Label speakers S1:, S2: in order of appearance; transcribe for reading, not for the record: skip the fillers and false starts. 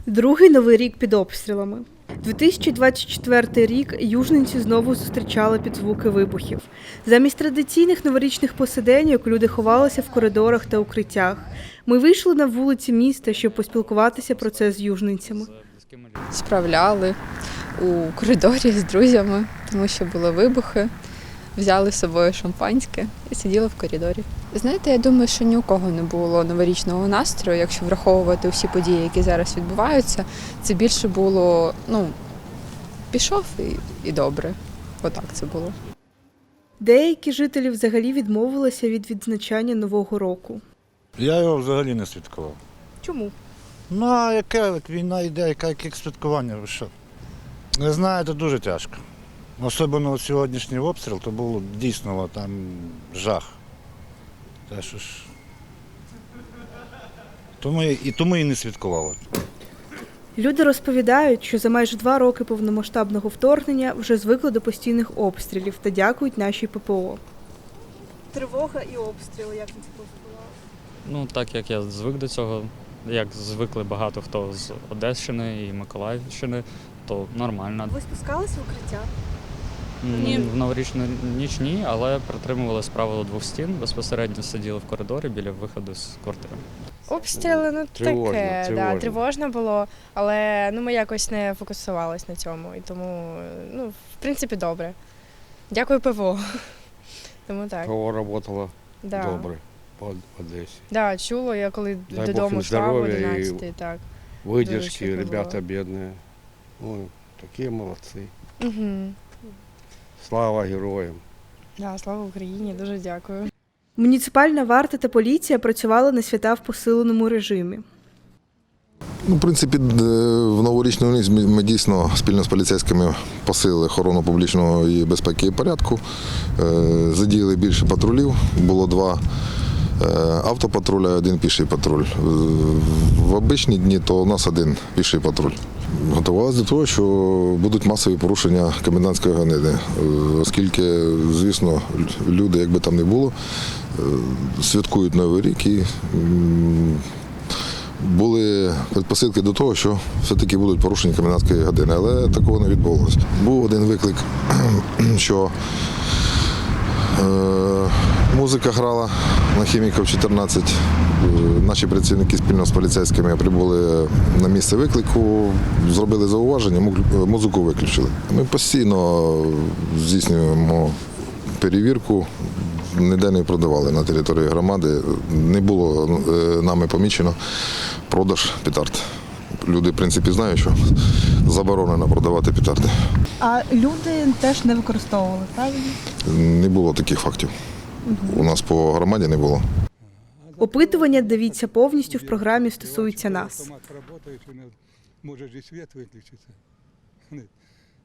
S1: Другий новий рік під обстрілами. 2024 рік южненці знову зустрічали під звуки вибухів. Замість традиційних новорічних посиденьок люди ховалися в коридорах та укриттях. Ми вийшли на вулиці міста, щоб поспілкуватися про це з южненцями.
S2: Справляли у коридорі з друзями, тому що були вибухи. Взяли з собою шампанське і сиділи в коридорі. Знаєте, я думаю, що ні у кого не було новорічного настрою, якщо враховувати всі події, які зараз відбуваються. Це більше було, пішов і добре. Отак це було.
S1: Деякі жителі взагалі відмовилися від відзначання Нового року.
S3: Я його взагалі не святкував.
S1: Чому?
S3: Ну, а яке війна йде, яке святкування, ви що? Не знаю, це дуже тяжко. Особливо сьогоднішній обстріл, то було дійсно там жах. Те, що ж... Тому і не святкували.
S1: Люди розповідають, що за майже 2 роки повномасштабного вторгнення вже звикли до постійних обстрілів та дякують нашій ППО. Тривога і обстріли, як ви це повпливали?
S4: Так як я звик до цього, як звикли багато хто з Одещини і Миколаївщини, то нормально.
S1: Ви спускалися в укриття?
S4: Ні. В новорічну ніч ні, але притримувалися правила 2 стін, безпосередньо сиділи в коридорі біля виходу з квартири.
S5: Обстріли, таке,
S6: тривожно.
S5: Да, тривожно було, але ми якось не фокусувались на цьому, і тому, в принципі, добре. Дякую ПВО. Тому так.
S6: ПВО працювало
S5: Да.
S6: добре по Одесі.
S5: Да, чуло, я коли
S6: Дай Бог
S5: додому
S6: їм
S5: йшла в
S6: здоров'я
S5: 11, так.
S6: Выдержки,
S5: Дуже
S6: ребята бедные. Такие молодцы.
S5: Угу.
S6: Слава героям.
S5: Да, слава Україні, дуже дякую.
S1: Муніципальна варта та поліція працювали на свята в посиленому режимі.
S7: В принципі, в новорічну ніч ми дійсно спільно з поліцейськими посилили охорону публічного і безпеки і порядку. Задіяли більше патрулів, було 2 автопатруля, 1 піший патруль. В обичні дні то у нас 1 піший патруль. Готувалися до того, що будуть масові порушення комендантської години, оскільки, звісно, люди, як би там не було, святкують Новий рік і були предпосилки до того, що все-таки будуть порушені комендантської години, але такого не відбулося. Був один виклик, що музика грала на Хіміків 14. Наші працівники спільно з поліцейськими прибули на місце виклику, зробили зауваження, музику виключили. Ми постійно здійснюємо перевірку, ніде не продавали на території громади. Не було нами помічено продаж петард. Люди, в принципі, знають, що заборонено продавати петарди.
S1: А люди теж не використовували, правильно?
S7: Не було таких фактів. У нас по громаді не було.
S1: Опитування дивіться повністю в програмі «Стосується нас».
S8: Автомат працює, може і світ виключиться.